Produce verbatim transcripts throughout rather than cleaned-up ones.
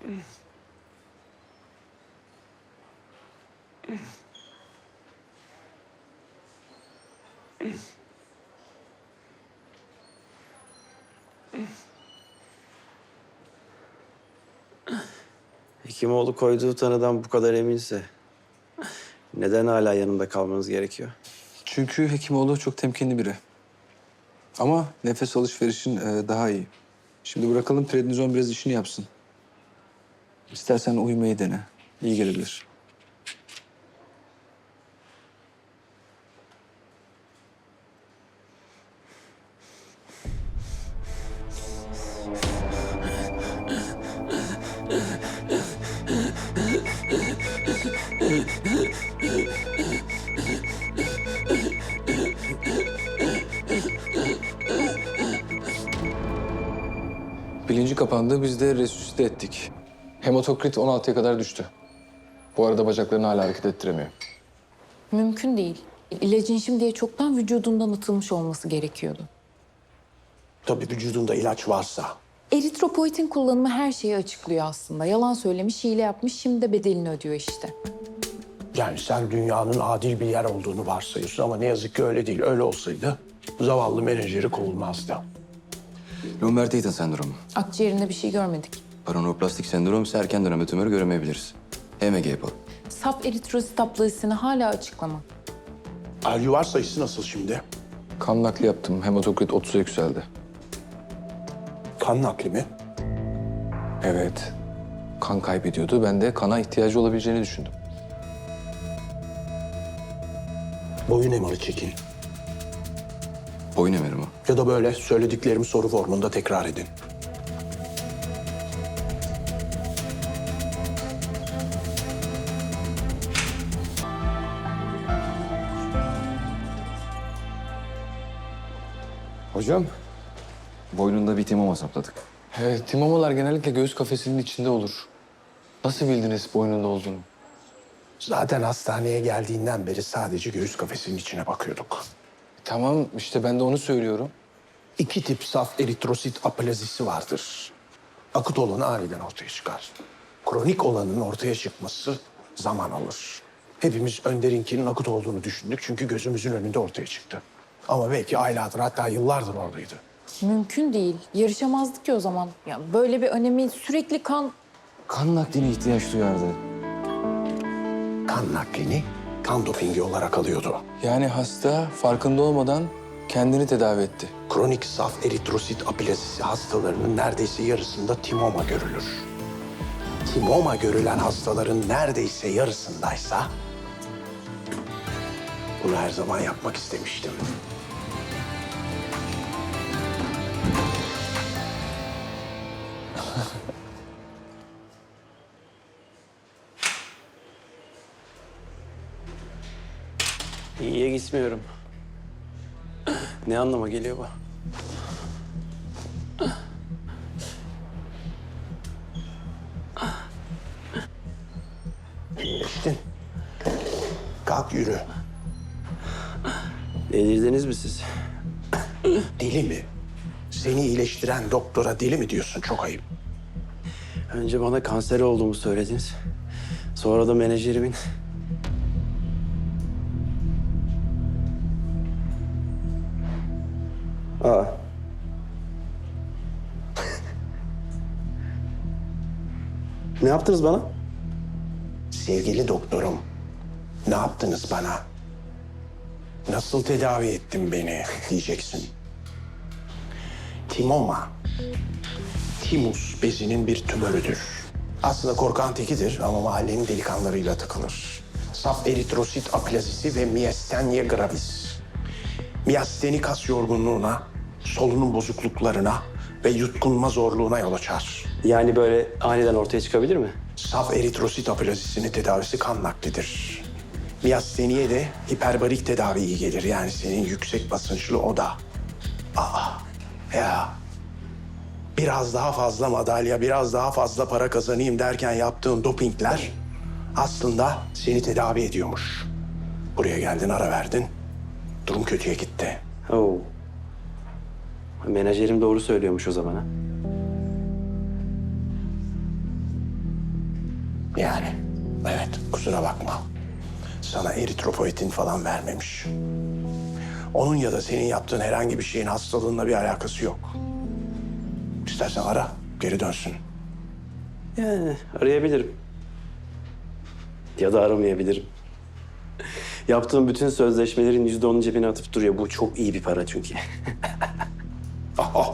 Hekimoğlu koyduğu tanıdan bu kadar eminse neden hala yanımda kalmanız gerekiyor? Çünkü Hekimoğlu çok temkinli biri. Ama nefes alışverişin e, daha iyi. Şimdi bırakalım prednizon biraz işini yapsın. İstersen uyumayı dene. İyi gelebilir. Bilinci kapandı, biz de resüsite ettik. Hematokrit on altıya kadar düştü. Bu arada bacaklarını hala hareket ettiremiyor. Mümkün değil. İlacın şimdiye çoktan vücudundan atılmış olması gerekiyordu. Tabii vücudunda ilaç varsa. Eritropoietin kullanımı her şeyi açıklıyor aslında. Yalan söylemiş, hile yapmış, şimdi de bedelini ödüyor işte. Yani sen dünyanın adil bir yer olduğunu varsayıyorsun ama ne yazık ki öyle değil. Öyle olsaydı zavallı menajeri kovulmazdı. Lomberg-Tatum sendromu. Akciğerinde bir şey görmedik. Paraneoplastik sendrom ise erken dönemde tümörü göremeyebiliriz. H M G yapalım. Saf eritrosit aplazisini hala açıklama. Alüvar sayısı nasıl şimdi? Kan nakli yaptım, hematokrit otuza yükseldi. Kan nakli mi? Evet, kan kaybediyordu. Ben de kana ihtiyacı olabileceğini düşündüm. Boyun M R'ı çekin. Boyun emeri mi? Ya da böyle söylediklerimi soru formunda tekrar edin. Hocam, boynunda bir timoma sapladık. Evet, timomalar genellikle göğüs kafesinin içinde olur. Nasıl bildiniz boynunda olduğunu? Zaten hastaneye geldiğinden beri sadece göğüs kafesinin içine bakıyorduk. Tamam, işte ben de onu söylüyorum. İki tip saf eritrosit aplazisi vardır. Akut olanı aniden ortaya çıkar. Kronik olanın ortaya çıkması zaman alır. Hepimiz Önder'inkinin akut olduğunu düşündük çünkü gözümüzün önünde ortaya çıktı. Ama belki aylardır hatta yıllardır oradaydı. Mümkün değil. Yarışamazdık ki o zaman. Ya böyle bir önemi sürekli kan... Kan nakline ihtiyaç duyardı. Kan naklini kan dopingi olarak alıyordu. Yani hasta farkında olmadan kendini tedavi etti. Kronik saf eritrosit aplazisi hastalarının neredeyse yarısında timoma görülür. Timoma görülen hastaların neredeyse yarısındaysa bunu her zaman yapmak istemiştim. İyiye gitmiyorum. Ne anlama geliyor bu? İyileştin. Kalk yürü. Delirdiniz mi siz? Deli mi? Seni iyileştiren doktora deli mi diyorsun? Çok ayıp. Önce bana kanser olduğumu söylediniz. Sonra da menajerimin... Aa. Ne yaptınız bana? Sevgili doktorum, ne yaptınız bana? Nasıl tedavi ettin beni diyeceksin. Timoma, timus bezinin bir tümörüdür. Aslında korkan tekidir ama mahallenin delikanlılarıyla takılır. Saf eritrosit aplazisi ve miyastenia gravis. Miyasteni kas yorgunluğuna, solunum bozukluklarına ve yutkunma zorluğuna yol açar. Yani böyle aniden ortaya çıkabilir mi? Saf eritrosit aplazisinin tedavisi kan naklidir. Miyasteniye de hiperbarik tedavi iyi gelir. Yani senin yüksek basınçlı oda. Aa, ya. Biraz daha fazla madalya, biraz daha fazla para kazanayım derken yaptığın dopingler aslında seni tedavi ediyormuş. Buraya geldin, ara verdin. Durum kötüye gitti. Oo. Menajerim doğru söylüyormuş o zaman ha. Yani evet, kusura bakma. Sana eritropoetin falan vermemiş. Onun ya da senin yaptığın herhangi bir şeyin hastalığınla bir alakası yok. İstersen ara, geri dönsün. Yani arayabilirim. Ya da aramayabilirim. Yaptığım bütün sözleşmelerin yüzde onu cebine atıp duruyor. Bu çok iyi bir para çünkü. Aha.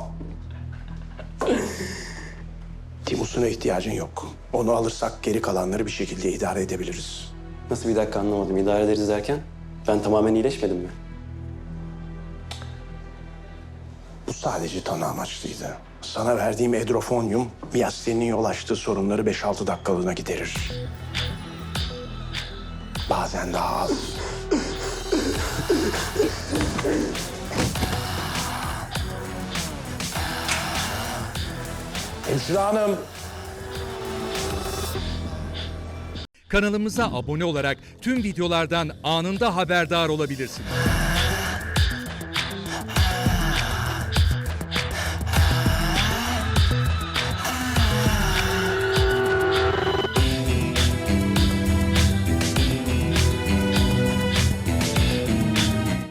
Timus'una ihtiyacın yok. Onu alırsak geri kalanları bir şekilde idare edebiliriz. Nasıl, bir dakika anlamadım. İdare ederiz derken? Ben tamamen iyileşmedim mi? Bu sadece tanı amaçlıydı. Sana verdiğim edrofonyum, miyasteninin yol açtığı sorunları beş altı dakikalığına giderir. Bazen daha az. Hemşire hanım. Kanalımıza abone olarak tüm videolardan anında haberdar olabilirsiniz.